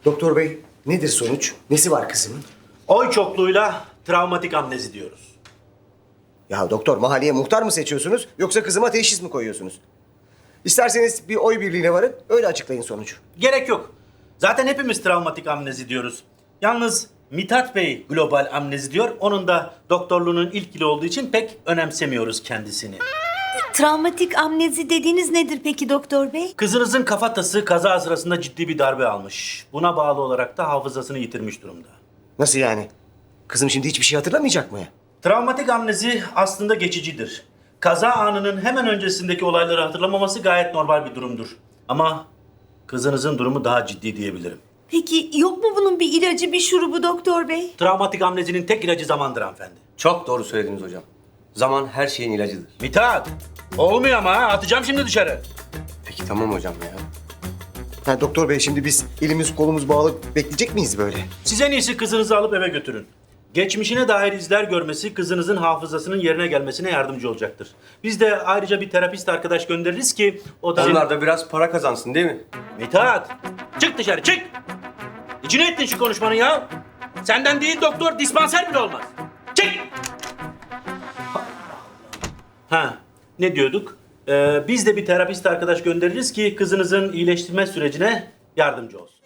Doktor bey, nedir sonuç? Nesi var kızımın? Oy çokluğuyla travmatik amnezi diyoruz. Ya doktor, mahalleye muhtar mı seçiyorsunuz yoksa kızıma teşhis mi koyuyorsunuz? İsterseniz bir oy birliğine varın, öyle açıklayın sonucu. Gerek yok. Zaten hepimiz travmatik amnezi diyoruz. Yalnız Mithat Bey global amnezi diyor. Onun da doktorluğunun ilk yılı olduğu için pek önemsemiyoruz kendisini. Travmatik amnezi dediğiniz nedir peki doktor bey? Kızınızın kafatası kaza sırasında ciddi bir darbe almış. Buna bağlı olarak da hafızasını yitirmiş durumda. Nasıl yani? Kızım şimdi hiçbir şey hatırlamayacak mı ya? Travmatik amnezi aslında geçicidir. Kaza anının hemen öncesindeki olayları hatırlamaması gayet normal bir durumdur. Ama kızınızın durumu daha ciddi diyebilirim. Peki yok mu bunun bir ilacı, bir şurubu doktor bey? Travmatik amnezinin tek ilacı zamandır hanımefendi. Çok doğru söylediniz hocam. Zaman her şeyin ilacıdır. Mithat! Olmuyor ama ha. Atacağım şimdi dışarı. Peki tamam hocam ya. Ha, doktor bey, şimdi biz elimiz kolumuz bağlı bekleyecek miyiz böyle? Siz en iyisi kızınızı alıp eve götürün. Geçmişine dair izler görmesi kızınızın hafızasının yerine gelmesine yardımcı olacaktır. Biz de ayrıca bir terapist arkadaş göndeririz ki o da... Onlar da biraz para kazansın değil mi? Mithat! Çık dışarı çık! İçine ettin şu konuşmanın ya. Senden değil doktor, dispanser bile olmaz. Çık! Ha, ne diyorduk? Biz de bir terapist arkadaş göndeririz ki kızınızın iyileştirme sürecine yardımcı olsun.